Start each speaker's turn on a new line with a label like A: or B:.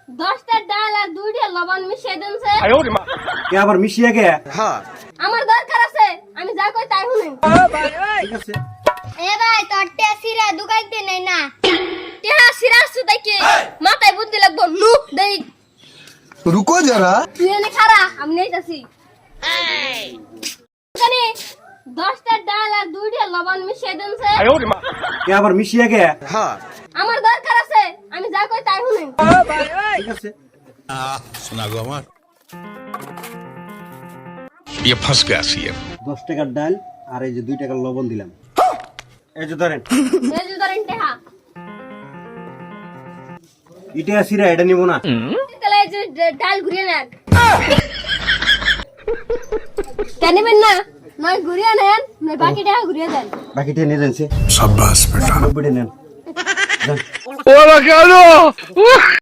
A: 10টা ডাল আর 2টা লবণ মিশিয়ে দেনছে।
B: কে আবার মিশিয়ে গে?
A: আমার দরকার আছে, আমি যা কই তাই শুনেন।
B: ঠিক আছে।
A: এ ভাই তোর টেসিরা দুগাইতে নাই না। টেহা সিরা সুদাইকে মাথায় বুদ্ধি লাগবো নু দেই।
C: रुको जरा।
A: তুই এনে খারা আমি নেইতাছি। জানি 10টা ডাল আর 2টা লবণ মিশিয়ে দেনছে।
B: কে আবার মিশিয়ে গে?
A: আমার দরকার আছে, আমি যা কই তাই শুনেন।
B: ঠিক আছে।
D: सुना गो हमार ये फंस गया सीएम
B: 10 টাকার ডাল আর এই যে 2 টাকার লবণ দিলাম। এই যে ধরেন।
A: এই যে ধরেন টেহা।
B: ইটা সিরা এটা নিব না।
A: তাহলে এই যে ডাল ঘুরিয়ে নেন। কেন নেবেন না? নয় ঘুরিয়ে নেন, নয় বাকি টেহা ঘুরিয়ে দেন।
B: বাকিটা নিয়ে যান সে।
D: शाबाश बेटा
B: 90 নেন। যান।
D: ओला क्या